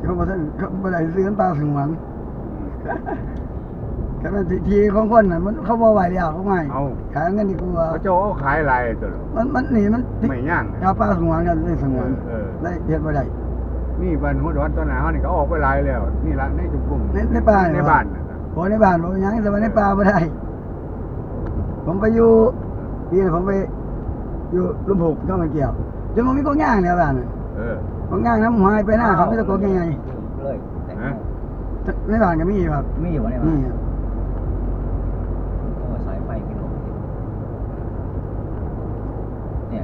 เขาบอกเขาบ่ได้ซื้อปลาสงวนแค่นั้นทีของคนน่ะมันเขาบ่ไหวแล้วเขาไม่ขายเงินดีกว่าเขาจะเอาขายอะไรตัวมันนี่มันไม่ย่างเอาปลาสงวนกันได้สงวนได้เฮ็ดบ่ได้นี่บ้านหัวดอนตอนหน้าเฮานี่ก็ออกไปหลายแล้วนี่ละในจุ่มในป่าในบ้านโอ้ในบ้านบ่ยังแต่ว่าในป่าบ่ได้ผมไปอยู่นี่ผมไปอยู่ลุมหกก็มันเกี่ยวจนมันมีกองย่างแล้วบ้านกองย่างน้ำหายไปหน้าเขาไม่ตะโกนยังไงเลยในบ้านก็มีครับมีอยู่ในบ้านนี่สายไฟกิโลเนี่ย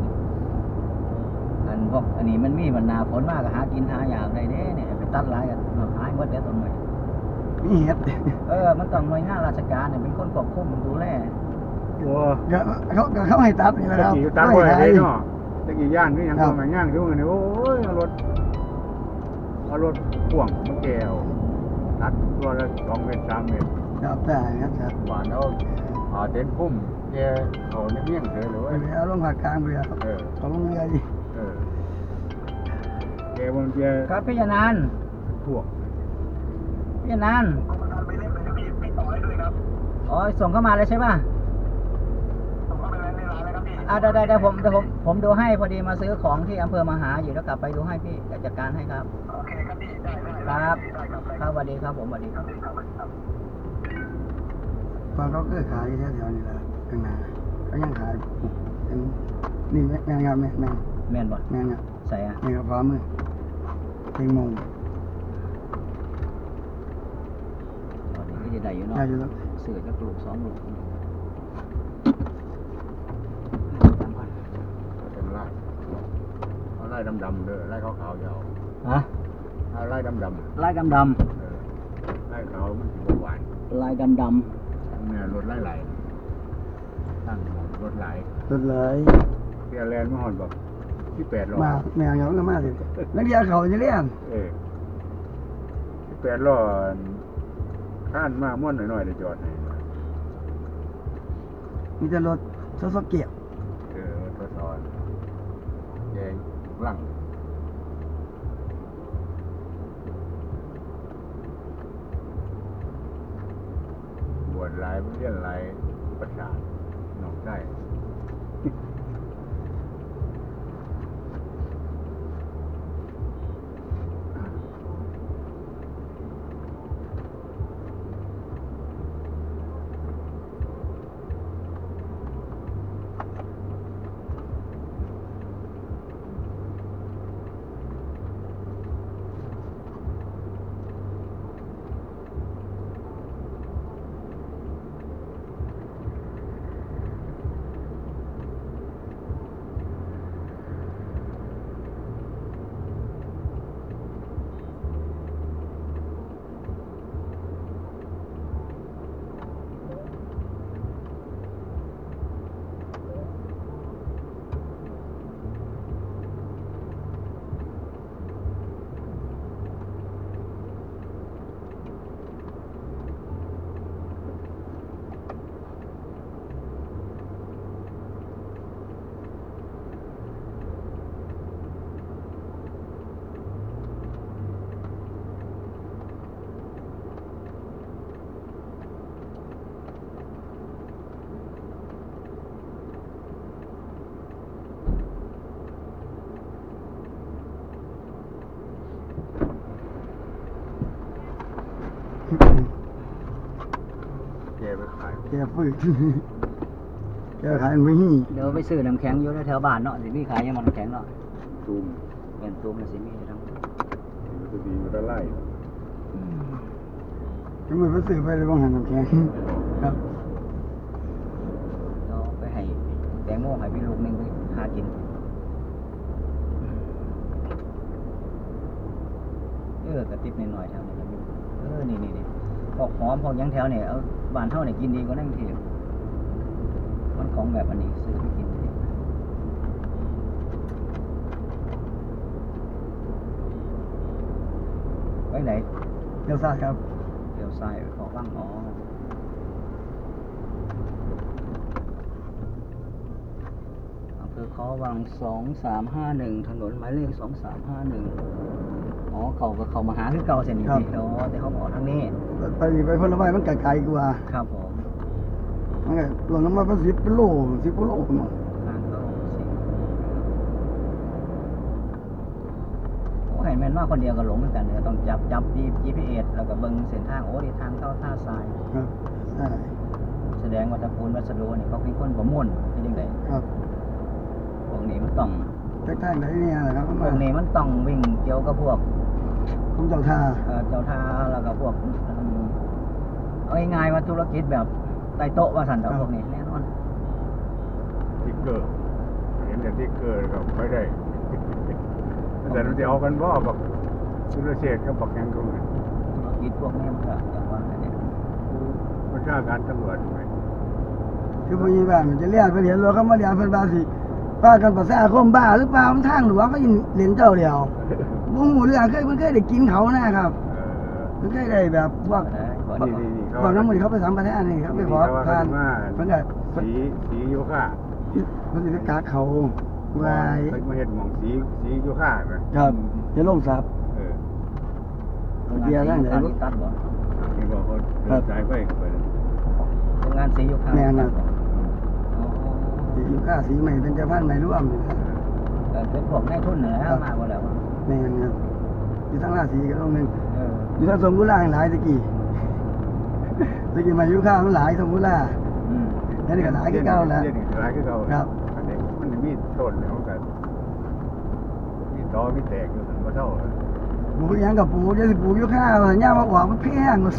อันพวกอันนี้มันมีมันนาฝนมากก็หากินหาอย่างได้เด้เนี่ยไปตัดหลายกันหายหมดเด้ต้นไม้มีเห็ดมันต้องหน่วยงานราชการเนี่ยเป็นคนควบคุมดูแลโอ้เขาให้ตัดนี่แหละครับตัดไว้ให้เนาะตะกี้ย่างนี่ยังทำมาย่างอยู่นี่โอ้ยเอารถพ่วงมาแก้วตัดตัวละ2 เมตร 3 เมตรครับได้ครับบ้านเอาเต็นพุ่มแกเขาในเมี่ยงเถอะหรือว่าเอาลงภาคกลางไปครับเขาลงเรือดิแกบนแกครับพี่ยานานพวกพี่ยานานอ๋อส่งเข้ามาเลยใช่ป่ะได้ผมดูให้พอดีมาซื้อของที่อำเภอมหาอยู่แล้วกลับไปดูให้พี่จัดการให้ครับโอเคครับพี่ได้ครับครับสวัสดีครับผมสวัสดีครับตอนเขาเกิดขายแถวๆนี้แหละข้างหน้าเขายังขายเป็นนี่แม่งครับแม่นบ่แม่งครับใส่นี่ครับพร้อมเลยเพลงมงตอนนี้ก็จะได้อยู่เนาะเสือจะปลูก2 ลูกไล่ดำๆเด้อไล่ขาวๆยาวไล่ดำไล่ดำไล่ขาวมันสิหวานไล่ดำเนี่ยรถไล่ตั้งรถไหลเสียแลนด์มาหอดบอก18 ล้อมาแมวก็มาสินักเรียนเขาจะเรียน 18 ล้อข้านมาม่วนหน่อยๆได้จอดให้มีแต่รถซอกเกี่ยวทดสอบแยงหลังบวชหลายเรียนหลายประชาหนองได้แกฟื้นแกขายไม่หี่เดี๋ยวไปซื้อน้ำแข็งอยู่แถวบ้านเนาะสิมีขายยังมันน้ำแข็งเนาะตูมเป็นตูมแล้วสิมีทั้งมันจะดีมันจะไล่จะมือไปซื้อไปเลยบ้างหันน้ำแข็งครับเราไปให้แตงโมให้พี่ลูกนึงไปหากินกระติบหน่อยๆแถวนี้นี่พอกหอมพอกยังแถวเนี่ยเอาบ้านเท่าเนี่ยกินดีกว่านั่งทีมันของแบบอันนี้ซื้อไปกินไว้ไหนเดี๋ยวซ้ายครับเดี๋ยวซ้ายขอบ้างอำเภอเขาวัง2351ถนนหมายเลข2351อ๋อเขามาหาคือเก่าเส้นนี้สิอ๋อแต่เขาบอกทางนี้ไปพลไม้มันไกลกว่าครับผมมันก็รวมน้ำมันเป็น10 กิโลเนาะทางเข้าสิโอ้เห็นแม่นว่าคนเดียวก็หลงเหมือนกันเลยต้องจับ GPS แล้วก็เบิ่งเส้นทางโอ้ที่ทางเข้าท่าทรายครับใช่แสดงว่าตระกูลวัสดุนี่เขาเป็นคนประมวลเป็นยังไงครับพวกนี้มันต้องจากทางไหนเนี่ยนะครับพวกนี้มันต้องวิ่งเกี่ยวกับพวกผมเจ้าท่าเจ้าท่าแล้วก็พวกเอาง่ายๆว่าธุรกิจแบบใต้โต๊ะว่าสันต่อพวกนี้แน่นอนติ๊กเกอร์เห็นแต่ติ๊กเกอร์ก็ไปได้ แต่เราจะเอากันบ่บักสุรเชษฐ์กับบักยังก็เหมือนธุรกิจพวกนี้มันก็อย่างว่าเนี่ยประชาการตำรวจไหมคือผู้ใหญ่บ้านมันจะเรียนไปเรียนรถเขามาเรียนเพิ่นบาสิว่ากันภาษาคมบ้าหรือเปล่ามันทางหลวงก็ยินเรียนเจ้าเดียวบ่ฮู้เรื่องมันเคยได้กินเขานะครับมันเคยได้แบบพวกนี่พวกน้ำมันเขาไปสัมปทานนี่ครับไปขอทานเพิ่นก็สีโยค่าเพิ่นสิไปกาเขาไว้เคยมาเห็นหมองสีโยค่าไหมครับจะลงสับเดียวนั่นเลยตัดบ่นี่บอกเขาเดินสายไฟไปโรงงานสีอยู่ข้างแม่นครับอ๋อสีอยู่ค่าสีใหม่เป็นเจ้าพันธุ์ใหม่ร่วมนี่นะเป็นพวกนายทุนนั่นแหละมาบ่แล้วแม่นครับอยู่ทั้งราศีก็ลงหนึงเอออยู่ทั้งสมบูรณ์ล่าหลายตะกี้มาอยู่ข้าวมันหลายสมบูรณ์ล่าอืมแล้วนี่ก็หลายคือเก่าแล้วเล่นหลายคือเก่าครับอันนี้มันมีต้นแล้วกันมีตอมีแตกอยู่ถึงว่าเท่าปลูกหยังกับปลูกจะสิปลูกอยู่ข้าวย่ามาออกมันแพงหมด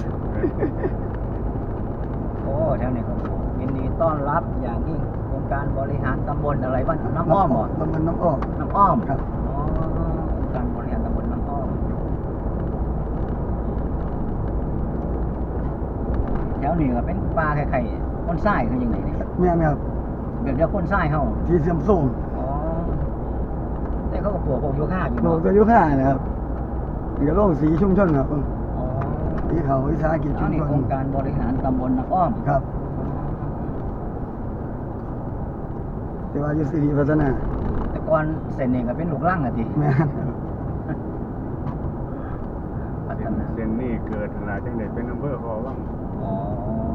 โอ้แถวนี้เขายินดีต้อนรับอย่างยิ่งโครงการบริหารตำบลอะไรบ้างน้ำอ้อมบ่ตำบลน้ำอ้อมน้ำอ้อมครับอ๋อองค์การบริหารตำบลน้ำอ้อมแถวนี้ก็เป็นป่าไข่ๆคนทรายคือยังไงเนี่ยแม่นครับแบบเดียวคนทรายเฮาที่เสื่อมโทรมอ๋อแต่เขาก็ปลูกพวกโยคะอยู่ปลูเนาะกก็อยู่ข้าวนะครับนี่ก็โรงสีชุมชนครับอ๋อสีเขาวิสาหกิจชุอันมนี้ชนโครงการบริหารตำบลน้ำอ้อมครับแต่ว่าอยู่สิริพัฒนาแต่ก่อนเส้นนี้ก็เป็นลูกรังอ่ะติแม่นครับพัฒนาเส้นนี้เกิดหลายจังเด็ดเป็นอำเภอคอว่างอ๋อ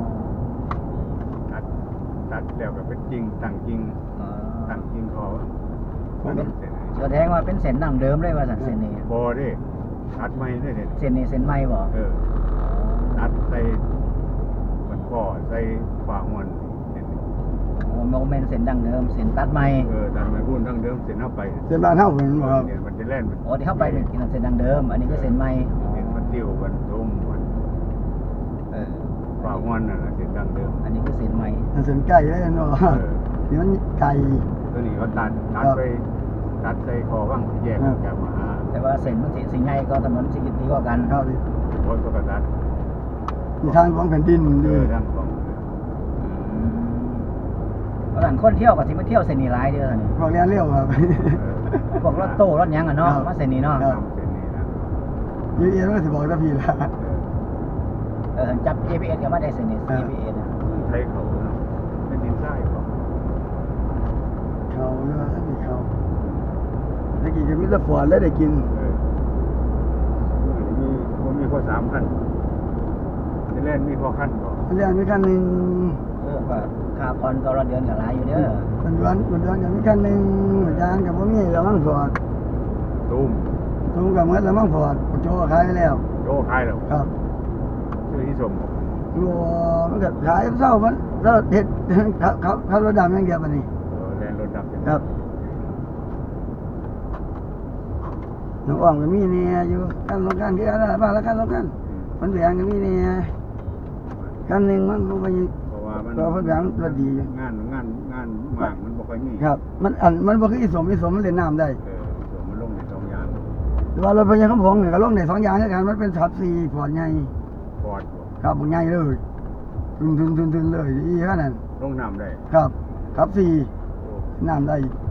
ตัดแล้วก็เป็นจริงตั้งจริงอ๋อตั้งจริงคอว่างแสดงว่าเป็นเส้นดั้งเดิมเลยว่าสันเส้นนี้บอดิตัดไม่ได้เนี่ยเส้นนี้เส้นใหม่บ่ตัดใส่มันก่อใส่ฝาหวนเส้นนี้โอ้โมเมนต์เส้นดั้งเดิมเส้นตัดใหม่ตัดไม่พูดทั้งเดิมเส้นเข้าไปเส้นบ้านเฮาเหมือนบ่ครับเนี่ยมันจะแล่นโอ้ที่เข้าไปเป็นเส้นดั้งเดิม อันนี้ก็เส้นใหม่เส้นมันติ้วมันตุ้มมันเออฝาหวนน่ะเส้นดังเดิมอันนี้ก็เส้นใหม่เส้นไก่ได้เนาะนี่มันไก่ตัวนี้เขาตัดไปตัดใส่คอว่างแยกจากมาหาแต่ว่าเส้นมันสิใหญ่ก็ถนนสิดีกว่ากันครับโอ้ยก็ตัดมีทางของแผ่นดินดีทั้งสองเพราะฉะนั้นคนเที่ยวก็สิมาเที่ยวเส้นนี้หลายเด้อนี่พวกเรียนเร็วครับพวกรถตู้รถหยังอ่ะเนาะครับมาเส้นนี้เนาะครับเส้นนี้นะยูเอ็นก็สิบอกตะพี่ละจับ GPS ก็มาได้เส้นนี้ GPS น่ะไทยเขาเป็นดินทรายเขาเขาเยอะท่านนี่เขาตะกี้ก็มีแตะฟอร์ดแล้วได้กินมีข้อ3ขั้นจะเล่นมีข้อขั้นก่อนเรียนมีขั้นหนึ่งก็ค่าผ่อนต่อละเดือนก็หลายอยู่เด้อมันเดือนกับมีขั้นหนึ่งอาจารย์กับพ่อมีแล้วมั่งฟอร์ดตุ้มทุ่มกับเมื่อแล้วมั่งฟอร์ดโจขายไปแล้วโจ้คายแล้วครับชื่อที่สมรัวมันก็ขายเศร้ามันเศร้าเห็ดเขารถดำอย่างเดียวมันนี่แลนรถดับครับน้องอ่องก็มีเนี่ยอยู่ขั้นลงขั้นคืออะไรบ้างแล้วขั้นลงขั้นมันแหวงก็มีเนี่ยขั้นหนึ่งมันคงไปเพราะว่ามันตัวเพิ่นแหวงรถดีอยู่งานหมากมันบ่ค่อยมีครับ มันบ่คืออีสมมันเล่นน้ำได้ส่วนมันลงใน2อย่างแต่ว่ารถพยาคำพงเนี่ยก็ลงได้2อย่างคือกันมันเป็นขับ4พอร์ตใหญ่ปอดครับบ่ใหญ่เลยทึนเลยอีขนาดนั้นลงน้ำได้ครับขับ4น้ำได้